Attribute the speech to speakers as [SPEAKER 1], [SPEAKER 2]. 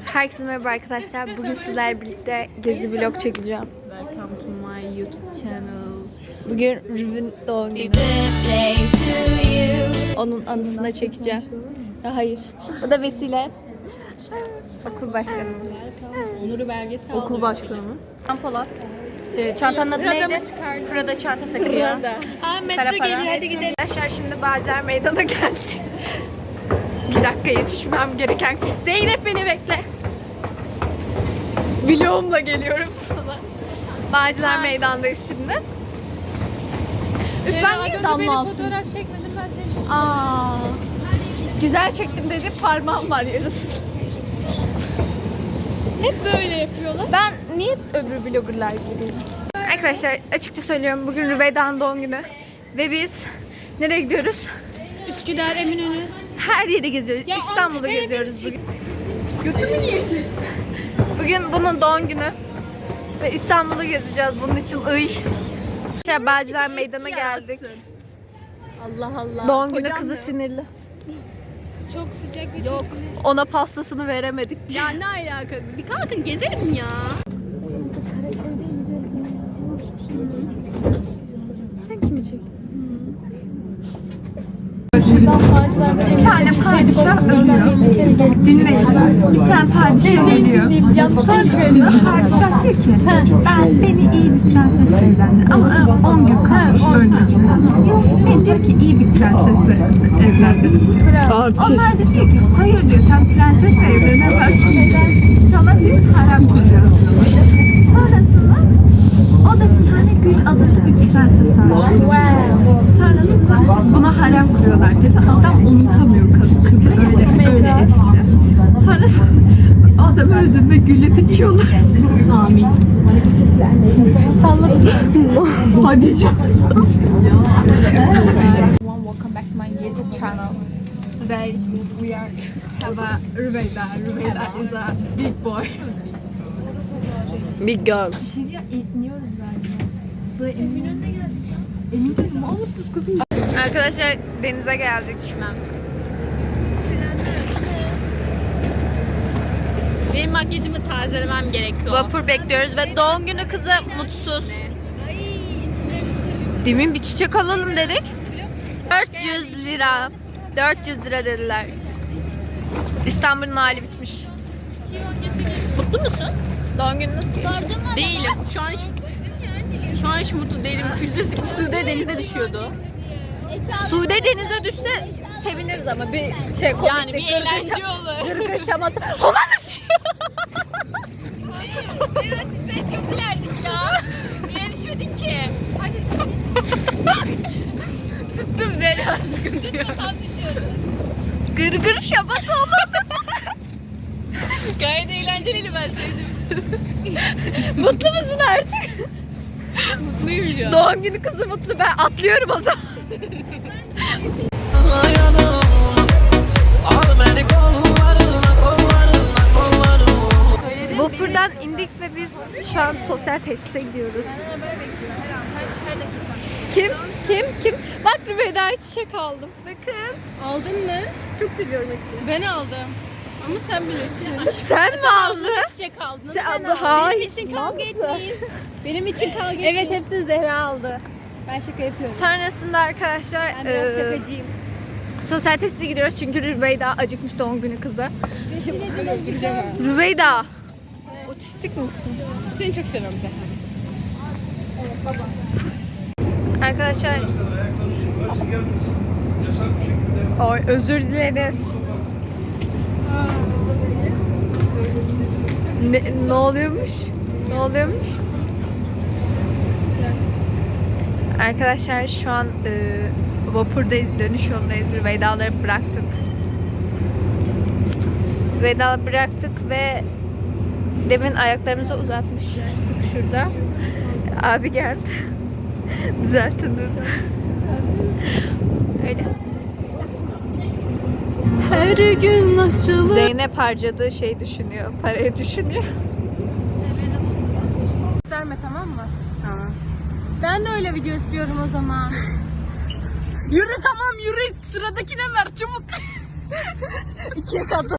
[SPEAKER 1] Herkese merhaba arkadaşlar. Bugün sizlerle birlikte gezi vlog çekeceğim.
[SPEAKER 2] Welcome to my YouTube channel.
[SPEAKER 1] Bugün Rüv'ün doğum günü. Onun anısına çekeceğim. Ya hayır. O da vesile. Okul başkanı.
[SPEAKER 2] Onuru belgesel
[SPEAKER 1] Okul başkanı mı? Polat. Çantanın adı neydi? Prada çanta takıyor.
[SPEAKER 2] Aa metro geliyor, hadi gidelim.
[SPEAKER 1] Arkadaşlar şimdi Bağcılar Meydan'a geldik. Bir dakika yetişmem gereken. Zeynep beni bekle. Vlogumla geliyorum sana. Bağcılar Meydan'dayız şimdi. Üf, ben niye damla altın?
[SPEAKER 2] Fotoğraf çekmedim, ben seni çok...
[SPEAKER 1] Aa, güzel çektim dedi, parmağım var yarısı.
[SPEAKER 2] Hep böyle yapıyorlar.
[SPEAKER 1] Ben niye öbür vloggerlar gibiyim? Arkadaşlar açıkça söylüyorum, bugün Rüveyda'nın doğum günü. Ve biz nereye gidiyoruz?
[SPEAKER 2] Üsküdar, Eminönü.
[SPEAKER 1] Her yeri geziyoruz.
[SPEAKER 2] Ya,
[SPEAKER 1] İstanbul'u
[SPEAKER 2] beni
[SPEAKER 1] geziyoruz bugün. Götümü niye çektin? Bugün bunun doğum günü. Ve İstanbul'u gezeceğiz. Bunun için Bağcılar Meydan'a geldik.
[SPEAKER 2] Allah Allah.
[SPEAKER 1] Doğum günü kızı sinirli.
[SPEAKER 2] Çok sıcak ve çok güneş.
[SPEAKER 1] Ona pastasını veremedik.
[SPEAKER 2] Ya ne alaka? Bir kalkın gezelim ya.
[SPEAKER 1] Sen kimi çekiyorsun?
[SPEAKER 2] Bir
[SPEAKER 1] tane padişah ölüyor. Dinleyin. Bir tane padişah ölüyor. Sonrasında padişah diyor ki beni iyi bir prensesle evlendir. Ama 10 gün kalmış ölmesine. Beni diyor ki iyi bir prensesle evlendirin. Onlar da diyor ki hayır diyor, sen prensesle evlenemezsin. Sana biz harem kuruyoruz. Sonrasında o da bir tane Gül adında bir prenses almış. Sonrasında buna harem kuruyorlar dedi. Adam unutamıyor kızı öyle etkili. Sonrasında adam öldüğünde Gül'ü dikiyorlar.
[SPEAKER 2] Amin. Salladım.
[SPEAKER 1] Hadi canım. Welcome back to my YouTube channel. Today we are have a Rüveyda. Rüveyda is a big boy. Big girl. Bir şey diyeceğim, iniyoruz galiba. Buraya Eminönü'ne geldik ya. Eminönü mal mısınız kızım? Arkadaşlar denize geldik.
[SPEAKER 2] Benim makyajımı tazelemem gerekiyor.
[SPEAKER 1] Vapur bekliyoruz ve doğum günü kızı mutsuz. Demin bir çiçek alalım dedik. 400 lira. 400 lira dediler. İstanbul'un hali bitmiş.
[SPEAKER 2] Mutlu musun?
[SPEAKER 1] Doğum günü nasıl?
[SPEAKER 2] Değilim. Şu an hiç mutlu değilim. Sude denize düşüyordu.
[SPEAKER 1] Sude denize düşse seviniriz ama bir şey komik.
[SPEAKER 2] Yani bir eğlence olur.
[SPEAKER 1] Gırgır şamata.
[SPEAKER 2] Evet işte çok ilerdik ya. Niye düşmedin ki? Hadi tuttum Zeliha, sıkıntı yok. Tutmasam düşüyordun.
[SPEAKER 1] Gırgır şamata olurdu.
[SPEAKER 2] Gayet eğlenceliydi, ben sevdim.
[SPEAKER 1] Mutlu musun artık?
[SPEAKER 2] Mutluyum şu an.
[SPEAKER 1] Doğum günü kızı mutlu. Ben atlıyorum o zaman. Vapurdan indik ve biz şu an sosyal tesise gidiyoruz. Kim? Bak Rüveyda'ya çiçek aldım. Bakın.
[SPEAKER 2] Aldın mı? Çok seviyorum hepsini. Ben aldım. Ama sen bilirsin.
[SPEAKER 1] Sen mi aldın?
[SPEAKER 2] Çiçek aldın.
[SPEAKER 1] Sen
[SPEAKER 2] Ben
[SPEAKER 1] aldın.
[SPEAKER 2] aldım.
[SPEAKER 1] Hayır.
[SPEAKER 2] Benim için kavga etmeyin. Benim için kavga etmeyin. Evet, hepsini Zehra aldı. Ben şaka yapıyorum.
[SPEAKER 1] Sonrasında arkadaşlar
[SPEAKER 2] Ben biraz şakacıyım.
[SPEAKER 1] sosyal tesise gidiyoruz çünkü Rüveyda acıkmış doğum günü kızı.
[SPEAKER 2] Öldüreceğim ha.
[SPEAKER 1] Rüveyda. Otistik misin?
[SPEAKER 2] Seni çok seviyorum Zehra.
[SPEAKER 1] Arkadaşlar Oy, özür dileriz. Ne oluyormuş? Ne oluyormuş? Arkadaşlar şu an vapurdayız, dönüş yolundayız. Rüveyda'ları bıraktık. Rüveyda'ları bıraktık ve demin ayaklarımızı uzatmış şurada. Abi geldi. Düzeltin. Öyle. Her gün açılır. Zeynep harcadığı şey düşünüyor. Parayı düşünüyor.
[SPEAKER 2] Gösterme, tamam mı? Tamam. Ben de öyle video istiyorum o zaman. Yürü, tamam yürü. Sıradakine ver çabuk.
[SPEAKER 1] 2'ye katı.